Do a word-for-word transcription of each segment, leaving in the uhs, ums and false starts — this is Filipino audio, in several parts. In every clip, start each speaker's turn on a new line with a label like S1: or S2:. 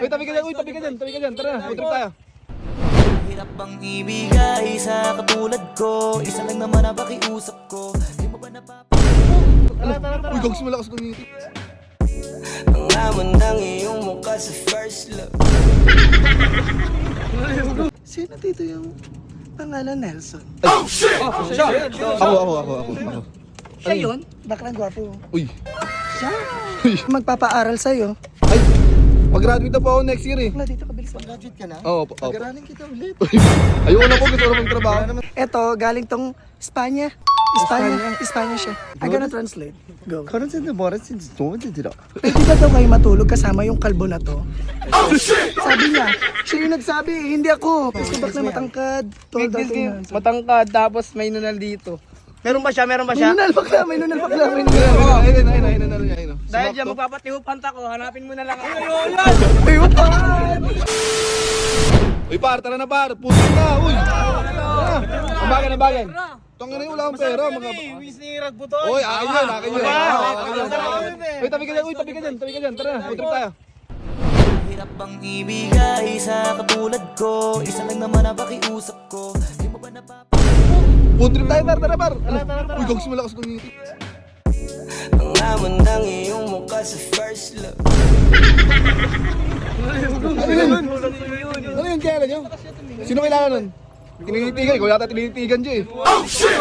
S1: Uy, tabi ka dyan, uy, tabi ka dyan, tabi ka dyan. Tara, food trip tayo.
S2: Hirap bang ibigay sa katulad ko? Isa lang naman ang pakiusap ko. Di mo ba napapa...
S1: Uy, gags malakas kumiti.
S2: Ang laman ng iyong mukha sa first love.
S3: Sino dito yung pangalan Nelson?
S1: Oh, siya! Ako, ako, ako, ako, ako.
S3: Siya yun? Baklang gwapo.
S1: Uy,
S3: Siya?
S1: uy.
S3: Magpapaaral sa'yo.
S1: Ay, mag-graduate na po ako next year eh.
S3: Wala dito kabilisan.
S4: Graduate ka na?
S1: Oo, opo, opo.
S4: Pag-aralan kita ulit.
S1: Ayoko na po, gusto ko na magtrabaho.
S3: Eto, galing tong Espanya. Espanya. Espanya siya. I'm gonna translate. Go.
S4: Karansin na moras since tumunod dito.
S3: Pwede ba daw kayo matulog kasama yung kalbo na to? Sabi niya, siya yung nagsabi, hindi ako. Kasi bakla matangkad. Tol, dating na.
S5: Matangkad, tapos may nunal dito. Meron ba siya? Meron ba
S3: May
S5: siya?
S3: nunal bakla, may nunal bakla, may nunal.
S1: Ayun, ayun, ayun, ayun, ayun, ayun, ayun.
S5: Dahil dyan, magpapatihupant ako. Hanapin mo na lang ako.
S3: Ayun pa!
S1: Uy, par, tara na par. Pusin na, uy. Ambagan, ambagan. Tanga na yun, wala akong pera. Mga...
S5: Winisirag po to.
S1: Uy, akin yun, akin yun. Akin yun. Uy, tabi ka dyan, uy, tabi ka dyan, tabi ka dyan. Tara, food trip tayo.
S2: Hirap bang ibigay sa katulad ko? Isa lang naman ang pakiusap ko. Di mo ba napapa...
S1: Food trip tayo, par, tara, par. Uy, gags malakas kumiti.
S2: Ang laman ng iyong mukha sa first love.
S1: Ano yun? Ano yun, kaya nyo? Sino kailangan nun? Tinititigan, ikaw yata tinititigan dyan eh. Oh, shit!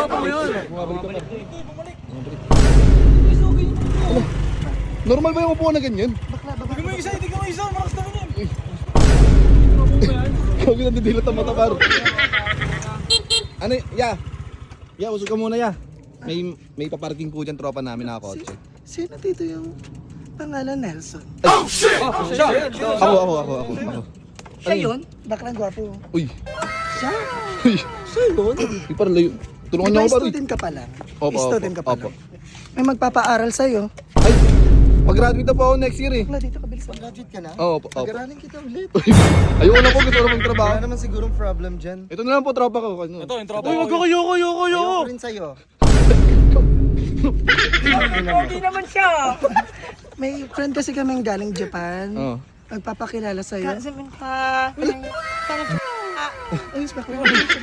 S1: Normal ba yung upuan na ganyan?
S5: Bigyan mo yung isa, bigyan mo yung isa. Malakas naman yan.
S1: Ikaw ginadidilat ang mata, par. Ano, ya? Ya, usog ka muna, ya. May may paparking po dyan tropa namin na kotse.
S3: Sino dito yung pangalan Nelson?
S1: Oh, siya! Ako, ako, ako, ako, ako.
S3: Siya yun? Baklang gwapo.
S1: Uy,
S3: Siya?
S1: uy.
S3: Siya yun?
S1: Uy, parang layo. Tulungan
S3: Di
S1: niyo
S3: ba
S1: ako, par.
S3: student ka pa lang?
S1: Opo,
S3: Student ka
S1: opo,
S3: pa
S1: opo.
S3: lang? May magpapaaral sa'yo.
S1: Ay, mag-graduate na po ako next year eh.
S3: Wala dito kabilisan.
S4: Graduate ka na?
S1: Oo, opo, opo.
S4: Pag-aralan kita ulit.
S1: Ayoko na po, gusto ko na magtrabaho.
S4: Wala naman sigurong problem dyan.
S1: Ito na lang po tropa ko. Ano?
S5: Ito, yung tropa. Uy, wag ako, yoko, yoko, yoko.
S4: Ayoko rin sa'yo.
S5: Hindi naman siya.
S3: May friend kasi kaming galing Japan.
S1: Oo.
S3: Magpapakilala sa'yo. Ay, bakla.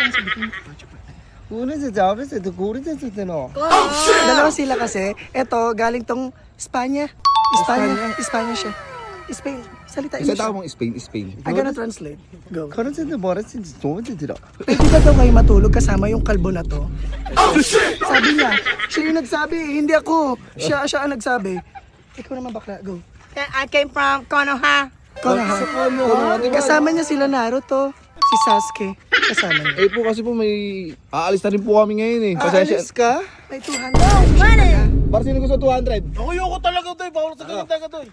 S4: Una sa job, sa tukurin sa sutano.
S3: Dalawa sila kasi. Eto, galing tong Espanya. Espanya. Espanya siya. Spain. Salita
S1: Isa
S3: English.
S1: tao mong Spain, Spain.
S3: I'm gonna translate. Go.
S4: Karansin na moras since tumunod dito.
S3: Pwede ba daw kayo matulog kasama yung kalbo na to? Sabi niya, siya yung nagsabi, hindi ako. Siya, siya ang nagsabi. Ikaw naman bakla, go.
S5: I came from Konoha.
S3: Konoha. Kasama niya sila Naruto, si Sasuke. Kasama niya.
S1: Eh po kasi po may aalis na rin po kami ngayon eh. Pasensya.
S3: Aalis ka? May two hundred.
S1: Para sino gusto two hundred?
S5: Ako, yoko talaga to. Bawal sa ganyan talaga to.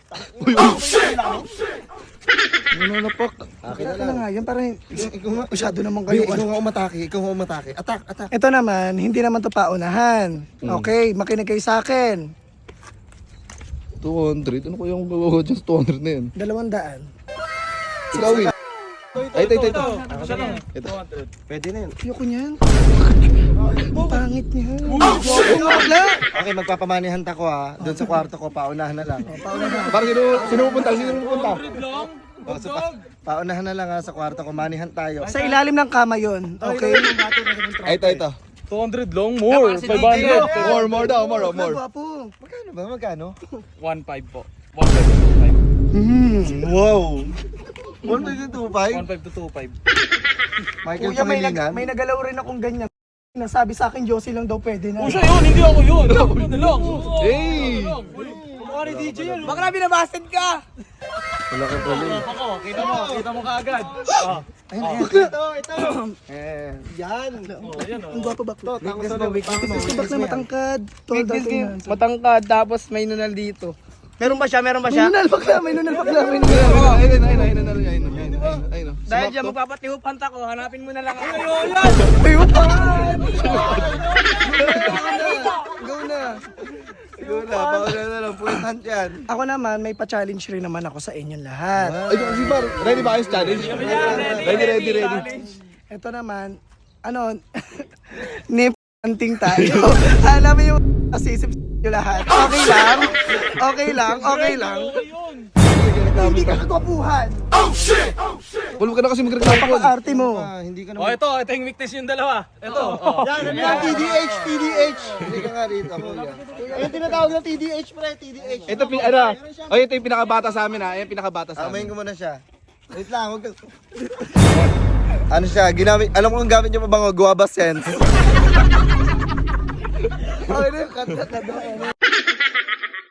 S1: Ano na pak?
S3: Kaya na nga yun, parang
S4: Ikaw nga,
S3: masyado naman
S4: Uy,
S3: kayo.
S4: ikaw nga umatake, ikaw nga umatake. Attack, attack.
S3: Ito naman, hindi naman to paunahan. Okay, makinig kayo sa akin.
S1: two hundred? Ano ko yung gagawa dyan sa two hundred na yun?
S3: Dalawang daan.
S1: Ikaw eh. Ay, ito, ito, ito. Ito.
S4: Pwede na yun.
S3: Ayoko niyan. Ang pangit niya. Bakla!
S4: Okay, magpapamanihan ko ha. Doon sa kwarto ko, paunahan na lang.
S1: Para sino, sino pupunta? Sino pupunta?
S4: O, so, pa, paunahan na lang ha sa kwarto ko, manihan tayo.
S3: Sa ilalim ng kama yon, okay?
S1: Ay, ito, ito.
S5: two hundred long, more. five hundred.
S1: More, more daw, more, more.
S3: Gwapo.
S4: Magkano ba? Magkano?
S5: one five po. one five to two five.
S4: Hmm, wow! one point two five?
S5: one five to two five.
S4: Michael
S3: Kuya, may, nag,
S4: Pangilinan?
S3: may nagalaw rin akong ganyan. Nasabi sa akin, Josie lang daw pwede na.
S5: Oh, siya yun, hindi ako yun. Ano na lang.
S1: Hey!
S5: Mukha ni D J yan. Bakla, binabasted ka.
S4: Wala ka tuloy.
S5: Ako, kita mo, kita mo kaagad. Ah.
S4: Ayun, ayun. Ito, ito. Eh, yan.
S5: Oh, yan oh.
S3: Ang gwapo bakla.
S4: Weakness mo, weakness mo.
S3: Kasi bakla matangkad. Tol, dating na.
S5: Matangkad, tapos may nunal dito. Meron ba siya? Meron ba
S3: May
S5: siya?
S3: nunal bakla, may nunal bakla, may nunal.
S1: Ayun, ayun, ayun, ayun, ayun, ayun, ayun, ayun.
S5: Dahil dyan, magpapatihupant ako. Hanapin mo na lang ako.
S3: Ayun pa! Go na.
S4: Siguro na, pauna na lang. Puwitan yan.
S3: Ako naman, may pa-challenge rin naman ako sa inyong lahat.
S1: Ay, si Bar, ready ba kayo sa challenge? Ready, ready, ready.
S3: Ito naman, ano, nip-anting tayo. Alam mo yung asisip nyo lahat. Okay lang, okay lang, okay lang. Sabi, hindi ka kagwapuhan.
S1: Paul, huwag ka na kasi magreklamo, Paul.
S3: Napaka-arte mo.
S4: Ah, hindi ka
S6: Oh,
S4: naman.
S6: ito, ito yung weakness yung dalawa. Ito. Oh.
S4: Yan, ano yan? T D H, T D H. Hindi ka nga rito, kuya. Ayun tinatawag na T D H, pre, T D H.
S1: Ito, pin- ano, oh, ito yung pinakabata sa amin ha. Ayan yung pinakabata sa
S4: Amayin
S1: amin.
S4: ko muna siya. Wait lang, huwag ka... Ano siya, ginamit, alam ko kung gamit niyo pa bang guava sense.
S3: Okay na yung kanta na doon.